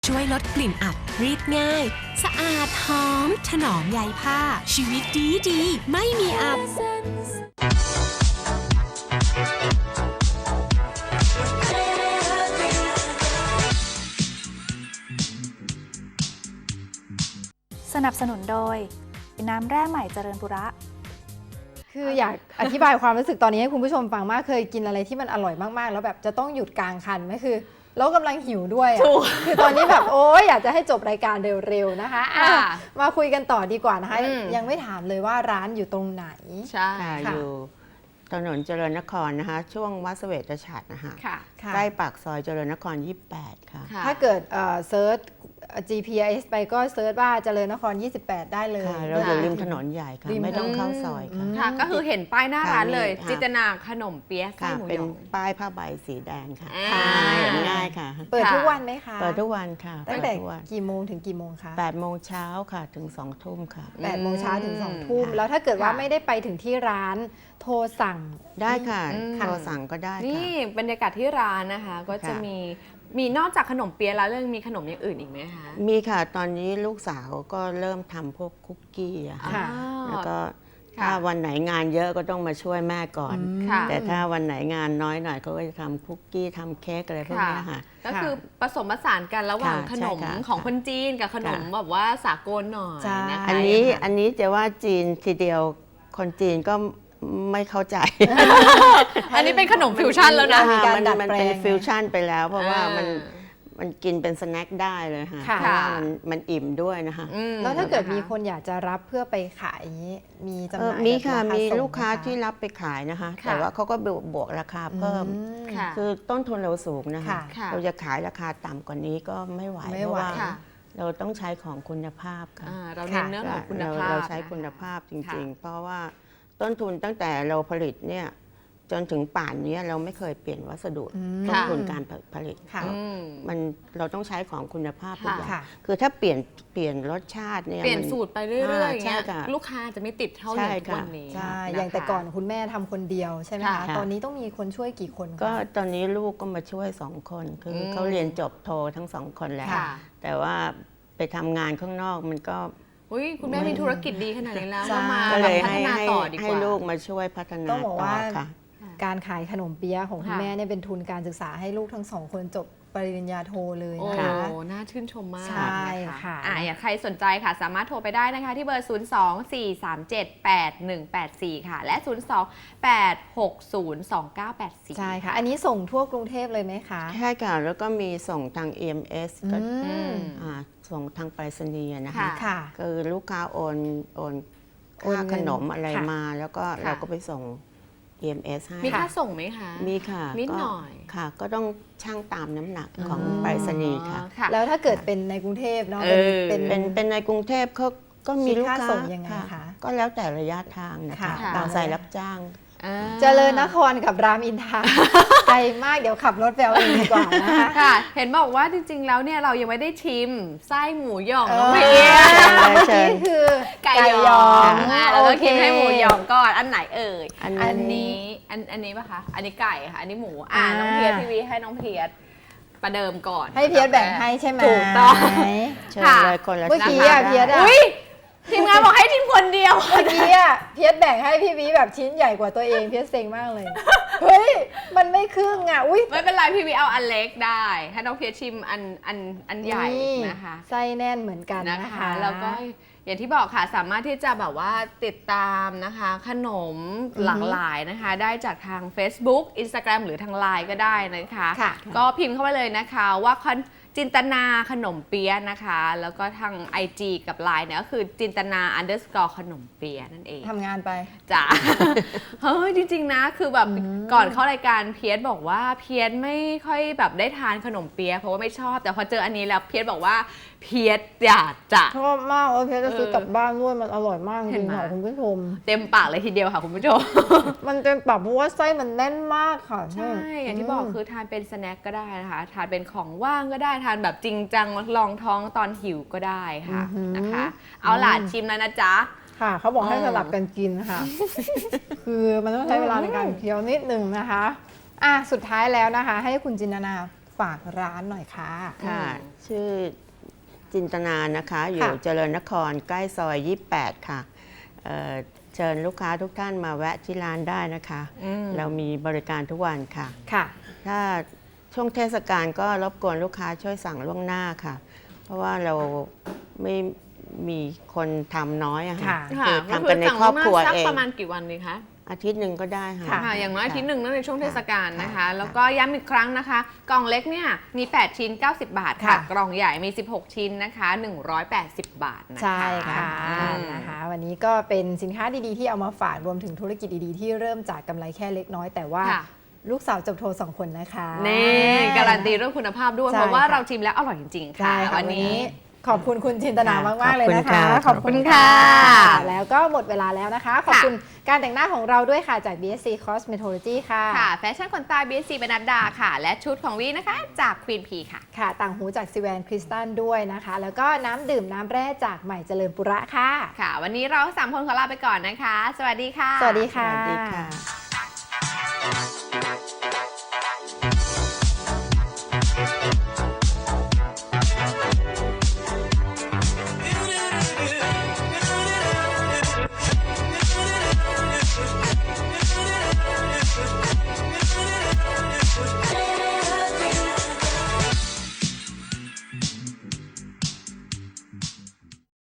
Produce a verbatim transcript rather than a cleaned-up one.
ช่วยลดกลิ่นอับรีดง่ายสะอาดหอมถนอมใยผ้าชีวิตดีดีไม่มีอับสนับสนุนโดยน้ำแร่ใหม่เจริญบุระคืออยากอธิบายความรู้สึกตอนนี้ให้คุณผู้ชมฟังมากเคยกินอะไรที่มันอร่อยมากๆแล้วแบบจะต้องหยุดกลางคันไหมคือแล้วกำลังหิวด้วยอ่ะคือตอนนี้แบบโอ๊ยอยากจะให้จบรายการเร็วๆนะคะะมาคุยกันต่อดีกว่านะคะยังไม่ถามเลยว่าร้านอยู่ตรงไหนใช่อยู่ถนนเจริญนครนะคะช่วงวัดเสวตฉัตรนะคะใกล้ปากซอยเจริญนครยี่สิบแปดค่ะถ้าเกิดเซิร์ช จี พี เอส ไปก็เซิร์ชว่าเจริญนครยี่สิบแปดได้เลยเราอยู่ริมถนนใหญ่ค่ะไม่ต้องเข้าซอยค่ะก็คือเห็นป้ายหน้าร้านเลยจิตนาขนมเปี๊ยะไส้หมูหยองเป็นป้ายผ้าใบสีแดงค่ะเห็นง่ายค่ะเปิดทุกวันไหมคะเปิดทุกวันค่ะตั้งแต่กี่โมงถึงกี่โมงคะแปดโมงเช้าค่ะถึงสองทุ่มค่ะแปดโมงเช้าถึงสองทุ่มแล้วถ้าเกิดว่าไม่ได้ไปถึงที่ร้านโทรสั่งได้ค่ะโทรสั่งก็ได้นี่บรรยากาศที่ร้านนะคะก็จะมีมีนอกจากขนมเปี๊ยะแล้วเรื่องมีขนมอย่างอื่นอีกไหมคะมีค่ะตอนนี้ลูกสาวก็เริ่มทำพวกคุกกี้อะค่ะแล้วก็ถ้าวันไหนงานเยอะก็ต้องมาช่วยแม่ก่อนแต่ถ้าวันไหนงานน้อยหน่อยเขาก็จะทำคุกกี้ทำเค้กอะไรพวกนี้ค่ะก็คือผสมผสานกันระหว่างขนมของคนจีนกับขนมแบบว่าสากลหน่อยนะคะอันนี้อันนี้จะว่าจีนทีเดียวคนจีนก็ไม่เข้าใจอันนี้เป็นขนมฟิวชั่นแล้วนะมันมันเป็นฟิวชั่นไปแล้วเพราะว่ามันมันกินเป็นสแน็คได้เลยค่ะเพราะว่ามันมันอิ่มด้วยนะคะแล้วถ้าเกิดมีคนอยากจะรับเพื่อไปขายมีจำหน่ายมีค่ะมีลูกค้าที่รับไปขายนะคะแต่ว่าเขาก็บวกราคาเพิ่มคือต้นทุนเราสูงนะคะเราจะขายราคาต่ำกว่านี้ก็ไม่ไหวเพราะว่าเราต้องใช้ของคุณภาพค่ะเราเน้นเรื่องของคุณภาพเราใช้คุณภาพจริงๆเพราะว่าต้นทุนตั้งแต่เราผลิตเนี่ยจนถึงป่านนี้เราไม่เคยเปลี่ยนวัสดุต้นทุนการผลิตมันเราต้องใช้ของคุณภาพทุกอย่างคือถ้าเปลี่ยนเปลี่ยนรสชาติเนี่ยเปลี่ยนสูตรไปเรื่อยๆอย่างเงี้ยลูกค้าจะไม่ติดเท่าอย่างทุกวันนี้ใช่อย่างแต่ก่อนคุณแม่ทำคนเดียวใช่ไหมคะตอนนี้ต้องมีคนช่วยกี่คนก็ตอนนี้ลูกก็มาช่วยสองคนคือเขาเรียนจบโททั้งสองคนแล้วแต่ว่าไปทำงานข้างนอกมันก็อุ้ยคุณแม่มีธุรกิจดีขนาดนี้แล้วมาพัฒนาต่อดีกว่าให้ลูกมาช่วยพัฒนาต้องบอกว่าค่ะการขายขนมเปี๊ยะของคุณแม่เนี่ยเป็นทุนการศึกษาให้ลูกทั้งสองคนจบปริญญาโทเลยนะคะโอ้น่าชื่นชมมากใช่ค่ะอ่าอยากใครสนใจค่ะสามารถโทรไปได้นะคะที่เบอร์ ศูนย์ สอง สี่ สาม เจ็ด แปด หนึ่ง แปด สี่ ค่ะและ ศูนย์ สอง แปด หก ศูนย์ สอง เก้า แปด สี่ใช่ค่ะอันนี้ส่งทั่วกรุงเทพเลยไหมคะใช่ค่ะแล้วก็มีส่งทาง อี เอ็ม เอส ก็ส่งทางไปรษณีย์นะคะคือลูกค้าโอนโอนค่าขนมอะไรมาแล้วก็เราก็ไปส่ง อี เอ็ม เอส ให้มีค่าส่งไหมคะมีค่ะนิดหน่อยค่ะก็ต้องชั่งตามน้ำหนักของไปรษณีย์ค่ะแล้วถ้าเกิดเป็นในกรุงเทพเนาะเป็นเป็นเป็นในกรุงเทพเขาก็มีลูกค้าส่งยังไงคะก็แล้วแต่ระยะทางนะคะตามสายรับจ้างเจริญนครกับรามอินทราไกลมากเดี๋ยวขับรถไปเอาเองดีกว่านะคะค่ะเห็นบอกว่าจริงๆแล้วเนี่ยเรายังไม่ได้ชิมไส้หมูหยองน้องเมียเมื่อกี้คือไก่หยองแล้วก็กินให้หมูหยองก่อนอันไหนเอ่ยอันนี้อันอันนี้ป่ะคะอันนี้ไก่ค่ะอันนี้หมูอ่าน้องเพียรทีวีให้น้องเพียรประเดิมก่อนให้เพียรแบ่งให้ใช่ไหมถูกต้องค่ะเมื่อกี้อ่ะเพียรอ่ะทีมงานบอกให้ทีมคนเดียวเมื่อกี้อ่ะเพียรแบ่งให้พี่วิแบบชิ้นใหญ่กว่าตัวเองเพียรเซ็งมากเลยเฮ้ยมันไม่ครึ่งอ่ะอุ้ยไม่เป็นไรพี่วิเอาอันเล็กได้ให้น้องเพียรชิมอันอันอันใหญ่นะคะไส้แน่นเหมือนกันนะคะแล้วก็อย่างที่บอกค่ะสามารถที่จะแบบว่าติดตามนะคะขนมหลากหลายนะคะได้จากทาง Facebook Instagram หรือทาง ไลน์ ก็ได้นะคะก็พิมพ์เข้าไปเลยนะคะว่าจินตนาขนมเปี๊ยะนะคะแล้วก็ทาง ไอ จี กับ ไลน์ เนี่ยก็คือจินตนา underscore ขนมเปี๊ยะนั่นเองทำงานไปจ้ะเฮ้ยจริงๆนะคือแบบก่อนเข้ารายการเพียรบอกว่าเพียรไม่ค่อยแบบได้ทานขนมเปี๊ยะเพราะว่าไม่ชอบแต่พอเจออันนี้แล้วเพียรบอกว่าเพียรอยากจะชอบมากเออเพียรจะซื้อกลับบ้านด้วยมันอร่อยมากจริงๆค่ะคุณผู้ชมเต็มปากเลยทีเดียวค่ะคุณผู้ชมมันเต็มปากเพราะว่าไส้มันแน่นมากค่ะใช่อย่างที่บอกคือทานเป็นสแน็คก็ได้นะคะทานเป็นของว่างก็ได้ทานแบบจริงจังลองท้องตอนหิวก็ได้ค่ะนะคะเอาล่ะชิมแล้วนะจ๊ะค่ะเขาบอกให้สลับกันกินค่ะคือมันต้องใช้เวลาในการเคี้ยวนิดนึงนะคะอ่ะสุดท้ายแล้วนะคะให้คุณจินตนาฝฝากร้านหน่อยค่ะค่ะ ชื่อจินตนานะคะ อยู่ค่ะเจริญนครใกล้ซอยยี่สิบแปดค่ะเอ่อเชิญลูกค้าทุกท่านมาแวะที่ร้านได้นะคะอืมเรามีบริการทุกวันค่ะค่ะถ้าช่วงเทศกาลก็รบกวนลูกค้าช่วยสั่งล่วงหน้าค่ะ เพราะว่าเราไม่มีคนทำน้อยอะค่ะค่ะค่ะคือทำกันในครอบครัวก็เอสั่งประมาณกี่วันดีคะอาทิตย์หนึ่งก็ได้ค่ะค่ะอย่างน้อยอาทิตย์หนึ่งนั่นในช่วงเทศกาลนะคะค่ะแล้วก็ย้ำอีกครั้งนะคะ กล่องเล็กเนี่ยมี แปด ชิ้น เก้าสิบ บาทค่ะค่ะกล่องใหญ่มี สิบหก ชิ้นนะคะ หนึ่งร้อยแปดสิบ บาทนะคะใช่ค่ะอืมนะคะวันนี้ก็เป็นสินค้าดีๆที่เอามาฝากรวมถึงธุรกิจดีๆที่เริ่มจากกำไรแค่เล็กน้อยแต่ว่าค่ะลูกสาวจบโทสองคนนะคะนี่การันตีเรื่องคุณภาพด้วยใช่เพราะว่าค่ะเราชิมแล้วอร่อยจริงๆค่ะใช่ค่ะวัวัน นนี้นี้ขอบคุณคุณจินตนาค่ะมากๆเลยนะคะขอบคุณค่ะแล้วก็หมดเวลาแล้วนะคะ ขอบคุณการแต่งหน้าของเราด้วยค่ะจาก บี เอส ซี Cosmetology ค่ะค่ะ แฟชั่นขนตา บี เอส ซี บรรณัดดาค่ะ และชุดของวีนะคะ จาก Queen P ค่ะค่ะ ต่างหูจากซิแวนคริสตัลด้วยนะคะ แล้วก็น้ำดื่มน้ำแร่จากใหม่เจริญปุระค่ะค่ะ วันนี้เราสามคนขอลาไปก่อนนะคะ สวัสดีค่ะสวัสดีค่ะสวัสดีค่ะ